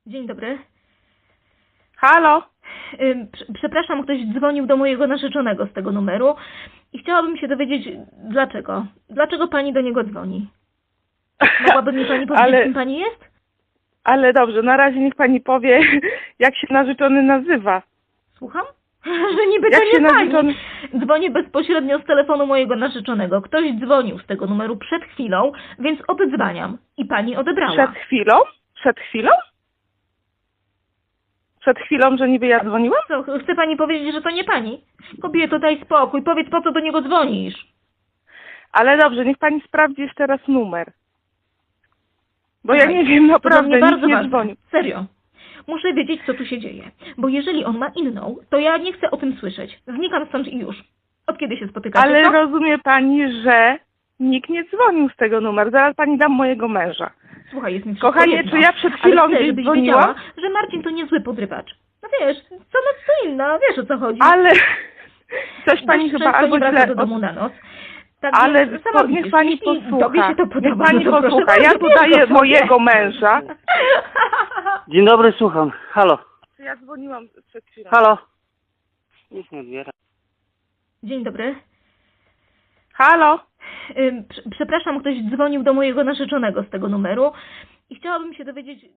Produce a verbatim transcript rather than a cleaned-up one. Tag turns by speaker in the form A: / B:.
A: Dzień dobry.
B: Halo?
A: Ym, prze- Przepraszam, ktoś dzwonił do mojego narzeczonego z tego numeru i chciałabym się dowiedzieć, dlaczego. Dlaczego pani do niego dzwoni? Mogłaby mi pani powiedzieć,
B: Ale-
A: kim pani jest?
B: Ale dobrze, na razie niech pani powie, jak się narzeczony nazywa.
A: Słucham? Że niby
B: Jak
A: to
B: się
A: nie pani.
B: narzeczony-
A: Dzwonię bezpośrednio z telefonu mojego narzeczonego. Ktoś dzwonił z tego numeru przed chwilą, więc oddzwaniam. I pani odebrała.
B: Przed chwilą? Przed chwilą? Przed chwilą, że niby ja dzwoniłam?
A: Co, chce pani powiedzieć, że to nie pani? Kobieto, daj spokój. Powiedz, po co do niego dzwonisz?
B: Ale dobrze, niech pani sprawdzi jeszcze raz numer. Bo ja
A: Słuchaj,
B: nie wiem,
A: to dla
B: naprawdę,
A: mnie
B: nikt
A: bardzo
B: nie
A: ważne.
B: dzwonił.
A: Serio. Muszę wiedzieć, co tu się dzieje. Bo jeżeli on ma inną, to ja nie chcę o tym słyszeć. Znikam stąd i już. Od kiedy się spotykacie,
B: Ale
A: co?
B: rozumie pani, że nikt nie dzwonił z tego numeru. Zaraz pani dam mojego męża.
A: Słuchaj, jest mi wszystko
B: Kochanie,
A: jedno.
B: czy ja przed chwilą
A: Ale chcę,
B: gdzieś
A: żebyś
B: dzwoniłam?
A: wiedziała, że Marcin to niezły podrywacz. No wiesz, co noc co inna, wiesz o co chodzi.
B: Ale coś pani
A: Dość
B: chyba
A: często
B: albo
A: nie wraca
B: źle...
A: do domu na noc. Tak
B: Ale
A: więc sama
B: po, niech
A: widzisz,
B: pani
A: jeśli
B: posłucha.
A: tobie się to podoba,
B: Niech pani
A: no to proszę
B: posłucha. Ja
A: bardzo,
B: tu
A: bierz go
B: daję
A: sobie.
B: mojego męża.
C: Dzień dobry, słucham. Halo,
B: Czy ja dzwoniłam przed chwilą?
C: halo. Nikt nie odbiera.
A: Dzień dobry.
B: Halo?
A: Ym, prze- Przepraszam, ktoś dzwonił do mojego narzeczonego z tego numeru i chciałabym się dowiedzieć...